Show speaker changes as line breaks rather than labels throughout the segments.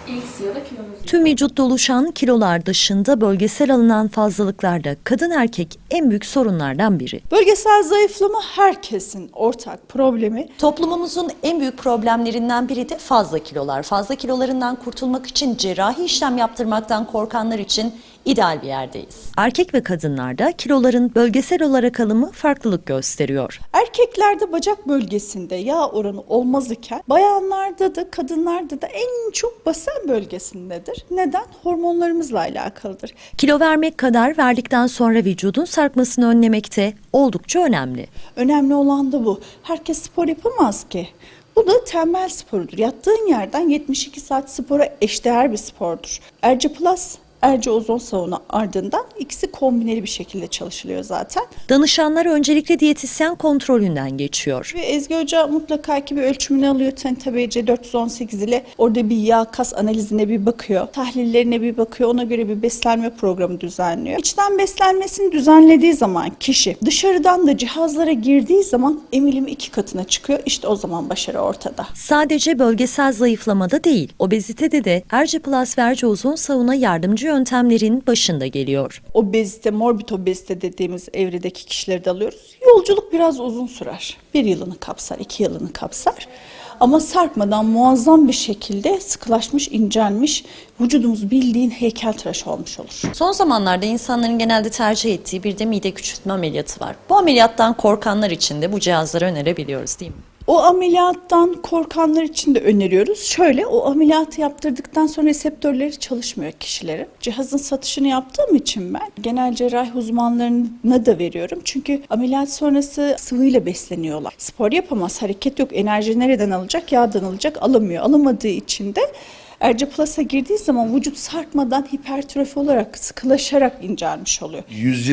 X ya da kilonuz.
Tüm vücutta oluşan kilolar dışında bölgesel alınan fazlalıklar da kadın erkek en büyük sorunlardan biri.
Bölgesel zayıflama herkesin ortak problemi.
Toplumumuzun en büyük problemlerinden biri de fazla kilolar. Fazla kilolarından kurtulmak için cerrahi işlem yaptırmaktan korkanlar için ideal bir yerdeyiz.
Erkek ve kadınlarda kiloların bölgesel olarak alımı farklılık gösteriyor.
Erkeklerde bacak bölgesinde yağ oranı olmaz iken bayanlarda da kadınlarda da en çok basen bölgesindedir. Neden? Hormonlarımızla alakalıdır.
Kilo vermek kadar verdikten sonra vücudun sarkmasını önlemekte oldukça önemli.
Önemli olan da bu. Herkes spor yapamaz ki. Bu da tembel sporudur. Yattığın yerden 72 saat spora eşdeğer bir spordur. Erce Plus, Erce Ozon Sauna ardından ikisi kombineli bir şekilde çalışılıyor zaten.
Danışanlar öncelikle diyetisyen kontrolünden geçiyor.
Ve Ezgi Hoca mutlaka ki bir ölçümünü alıyor. TBC 418 ile orada bir yağ kas analizine bir bakıyor. Tahlillerine bir bakıyor. Ona göre bir beslenme programı düzenliyor. İçten beslenmesini düzenlediği zaman kişi dışarıdan da cihazlara girdiği zaman emilimi 2 katına çıkıyor. İşte o zaman başarı ortada.
Sadece bölgesel zayıflamada değil, obezitede de Erce Plus ve Erce Ozon Sauna yardımcı yöntemlerin başında geliyor.
Obezite, morbid obezite dediğimiz evredeki kişileri de alıyoruz. Yolculuk biraz uzun sürer. 1 yılını kapsar, 2 yılını kapsar. Ama sarkmadan muazzam bir şekilde sıkılaşmış, incelmiş, vücudumuz bildiğin heykeltıraş olmuş olur.
Son zamanlarda insanların genelde tercih ettiği bir de mide küçültme ameliyatı var. Bu ameliyattan korkanlar için de bu cihazları önerebiliyoruz değil mi?
O ameliyattan korkanlar için de öneriyoruz. Şöyle, o ameliyatı yaptırdıktan sonra reseptörleri çalışmıyor kişilerin. Cihazın satışını yaptığım için ben genel cerrahi uzmanlarına da veriyorum. Çünkü ameliyat sonrası sıvıyla besleniyorlar. Spor yapamaz, hareket yok, enerji nereden alacak? Yağdan alacak, alamıyor. Alamadığı için de Erce Plus'a girdiği zaman vücut sarkmadan hipertrofi olarak sıkılaşarak incelmiş oluyor.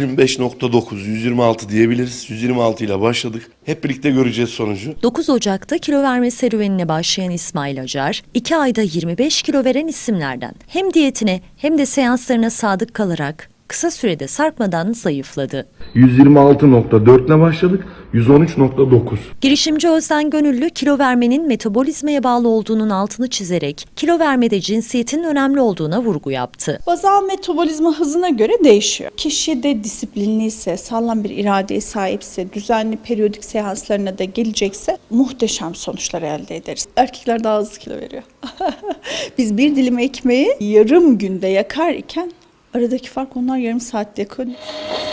125.9, 126 diyebiliriz. 126 ile başladık. Hep birlikte göreceğiz sonucu.
9 Ocak'ta kilo verme serüvenine başlayan İsmail Acar, 2 ayda 25 kilo veren isimlerden. Hem diyetine hem de seanslarına sadık kalarak kısa sürede sarkmadan zayıfladı.
126.4 ile başladık, 113.9.
Girişimci Özden Gönüllü kilo vermenin metabolizmaya bağlı olduğunun altını çizerek kilo vermede cinsiyetin önemli olduğuna vurgu yaptı.
Bazal metabolizma hızına göre değişiyor. Kişi de disiplinliyse, sağlam bir iradeye sahipse, düzenli periyodik seanslarına da gelecekse muhteşem sonuçlar elde ederiz. Erkekler daha hızlı kilo veriyor. Biz bir dilim ekmeği yarım günde yakar iken aradaki fark onlar yarım saatte yakıyor.